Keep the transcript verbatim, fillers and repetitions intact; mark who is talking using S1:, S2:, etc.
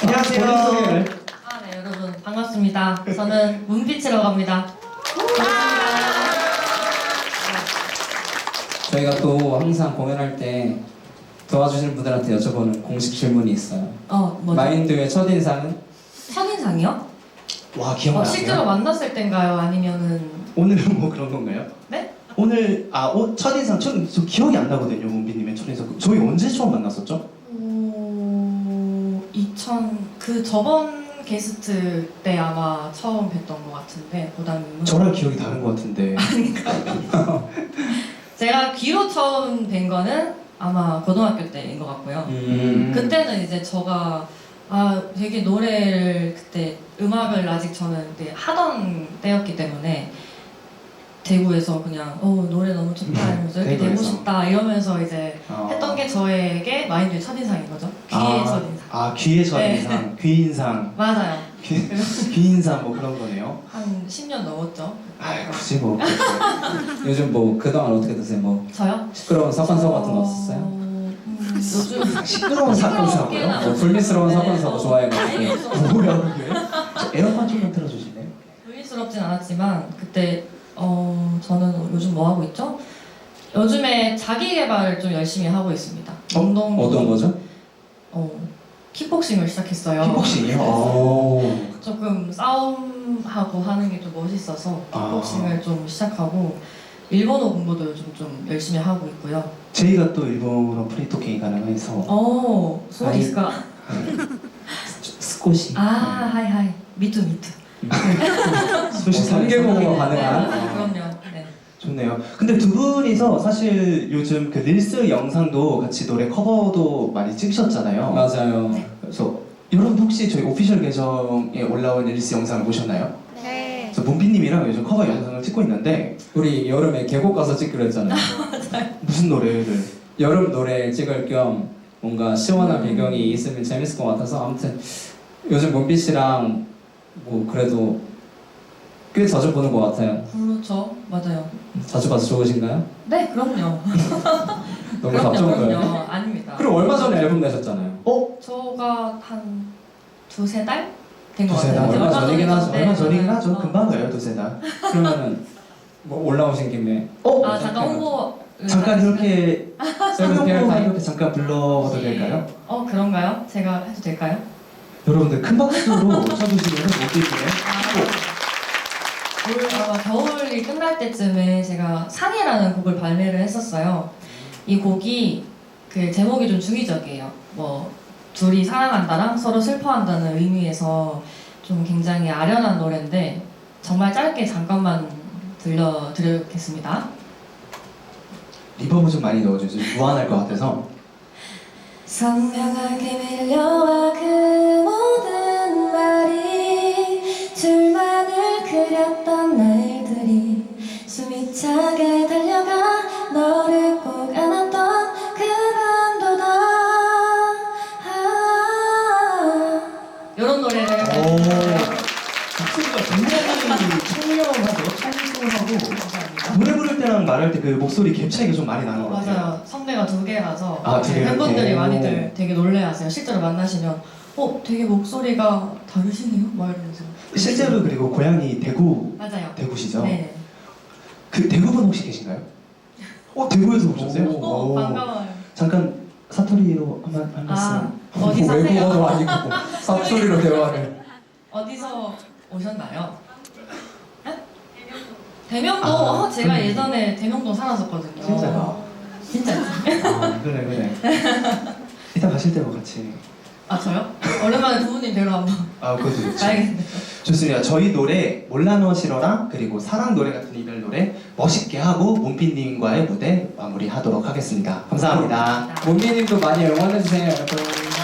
S1: 안녕하세요. 본인 소개를.
S2: 아, 네, 여러분 반갑습니다. 저는 문빛이라고 합니다. 반갑습니다.
S3: 저희가 또 항상 공연할 때 도와주시는 분들한테 여쭤보는 공식 질문이 있어요.
S2: 어, 뭐죠?
S3: 마인드의 첫인상은?
S2: 첫인상이요?
S1: 와
S2: 어,
S1: 기억나세요?
S2: 실제로 만났을 땐가요? 아니면은
S1: 오늘은 뭐 그런 건가요?
S2: 네?
S1: 오늘 아 오, 첫인상 저, 저 기억이 안 나거든요. 문비님의 첫인상. 저희 언제 처음 만났었죠?
S2: 오, 이천 그 저번 게스트 때 아마 처음 뵀던 것 같은데 보다님은
S1: 저랑 기억이 다른 것 같은데.
S2: 제가 귀로 처음 뵌 거는 아마 고등학교 때인 것 같고요.
S1: 음.
S2: 그때는 이제 저가 아 되게 노래를 그때 음악을 아직 저는 그때 하던 때였기 때문에 대구에서 그냥 어 노래 너무 좋다 이러면서 이렇게 되고
S1: 대구에서.
S2: 싶다 이러면서 이제
S1: 아.
S2: 했던 게 저에게 마인드의 첫인상인 거죠. 귀의
S1: 아,
S2: 첫인상.
S1: 아 귀의 첫인상,
S2: 네.
S1: 귀인상,
S2: 맞아요.
S1: 귀, 귀인상 뭐 그런 거네요.
S2: 한 십 년 넘었죠.
S1: 아 굳이 뭐.
S3: 요즘 뭐 그동안 어떻게 드세요? 뭐
S2: 저요?
S3: 시끄러운 사건사 같은 거 없었어요?
S2: 음, 요즘
S1: 시끄러운 사건
S2: 시끄럽게는
S1: 사고요?
S3: 뭐 불미스러운
S2: 네.
S3: 사건 사고
S2: 어,
S3: 좋아해가지고.
S2: 아니,
S1: 뭐야 그게? 저 에어컨 좀만 틀어주실래요?
S2: 불미스럽진 않았지만 그때 어 저는 요즘 뭐 하고 있죠? 요즘에 자기 개발을 좀 열심히 하고 있습니다. 운동
S3: 어떤 거죠?
S2: 어 킥복싱을 시작했어요.
S1: 킥복싱이요? 오.
S2: 조금 싸움하고 하는 게 좀 멋있어서
S1: 아.
S2: 킥복싱을 좀 시작하고 일본어 공부도 요즘 좀 열심히 하고 있고요.
S1: 저희가 또 일본어 프리토킹이 가능해서
S2: 어, 소리가
S3: 스코시.
S2: 아, 하이 하이. 미투 미투.
S1: 소식
S3: 삼 개국어가
S2: 네,
S3: 가능한?
S2: 그럼요. 네.
S1: 좋네요. 근데 두 분이서 사실 요즘 그 릴스 영상도 같이 노래 커버도 많이 찍으셨잖아요.
S3: 맞아요.
S2: 네.
S1: 그래서 여러분 혹시 저희 오피셜 계정에 올라온 릴스 영상을 보셨나요?
S4: 네.
S1: 그래서 문비님이랑 요즘 커버 영상을 찍고 있는데
S3: 우리 여름에 계곡 가서 찍기로 했잖아요.
S1: 무슨 노래를?
S3: 여름 노래 찍을 겸 뭔가 시원한
S2: 음.
S3: 배경이 있으면 재밌을 것 같아서 아무튼 요즘 문빛 씨랑 뭐 그래도 꽤 자주 보는 것 같아요.
S2: 그렇죠. 맞아요.
S3: 자주 봐서 좋으신가요?
S2: 네, 그럼요.
S3: 너무
S2: 그럼요,
S3: 답정가요?
S2: 그럼요. 아닙니다.
S3: 그럼 얼마 전에 앨범 내셨잖아요.
S1: 어?
S2: 저가 한 두세 달? 된 것
S1: 두세
S2: 같아요.
S1: 달?
S3: 얼마 전이긴 하죠.
S2: 네,
S1: 얼마 전이긴
S2: 맞아요.
S1: 하죠.
S2: 어.
S1: 금방 가요, 두세 달.
S3: 그러면은 뭐 올라오신 김에
S1: 어?
S2: 아, 잠깐 홍보.
S1: 잠깐 이렇게
S3: 셀프
S1: 설명만
S3: 피아타임?
S1: 이렇게 잠깐 불러도 될까요?
S2: 어, 그런가요? 제가 해도 될까요?
S1: 여러분들 큰 박수로 쳐주시면 못드리네요.
S2: 아, 올 아마 겨울이 끝날 때쯤에 제가 상해라는 곡을 발매를 했었어요. 이 곡이 그 제목이 좀 중의적이에요. 뭐 둘이 사랑한다랑 서로 슬퍼한다는 의미에서 좀 굉장히 아련한 노래인데 정말 짧게 잠깐만 들려드리겠습니다.
S1: 리버브 좀 많이 넣어주세요. 무한할 것 같아서.
S2: 선명하게 밀려와 그 모든 말이 둘만을 그렸던 날들이 숨이 차게 달려가 너를 꼭 안았던 그 밤도다 아 요런 노래를
S1: 오. 목소리가 굉장히 청량하죠. 청순하고.
S2: 감사합니다.
S1: 노래 부를 때랑 말할 때 그 목소리 갭 차이가 좀 많이 나는 것 같아요.
S2: 맞아요. 성대가 두 개라서
S1: 아, 두 개요?
S2: 팬분들이
S1: 오.
S2: 많이들 되게 놀래하세요. 실제로 만나시면 어 되게 목소리가 다르시네요? 막 이러면서
S1: 실제로 그리고 고향이 대구,
S2: 맞아요.
S1: 대구시죠?
S2: 네.
S1: 그 대구분 혹시 계신가요? 어, 대구에서 오셨어요?
S3: 오.
S2: 어,
S1: 오.
S2: 반가워요.
S1: 잠깐 사투리로 한번 한
S2: 아,
S1: 말씀.
S2: 어디 사세요?
S3: 외국어도 아니고 사투리로 대화를.
S2: 어디서 오셨나요? 네? 대명도.
S1: 아,
S2: 어, 제가
S1: 그럼.
S2: 예전에 대명동 살았었거든요.
S1: 진짜요?
S2: 진짜.
S1: 아, 그래 그래. 이따 가실 때뭐 같이.
S2: 아 저요? 오랜만에 부모님 뵈러 한번
S1: 아, 그것도 좋죠.
S2: 가야겠네요.
S1: 좋습니다. 저희 노래 몰라 너 싫어랑 그리고 사랑 노래 같은 이별 노래 멋있게 하고 문빈님과의 무대 마무리하도록 하겠습니다. 감사합니다.
S3: 문비님도 많이 응원해주세요, 여러분.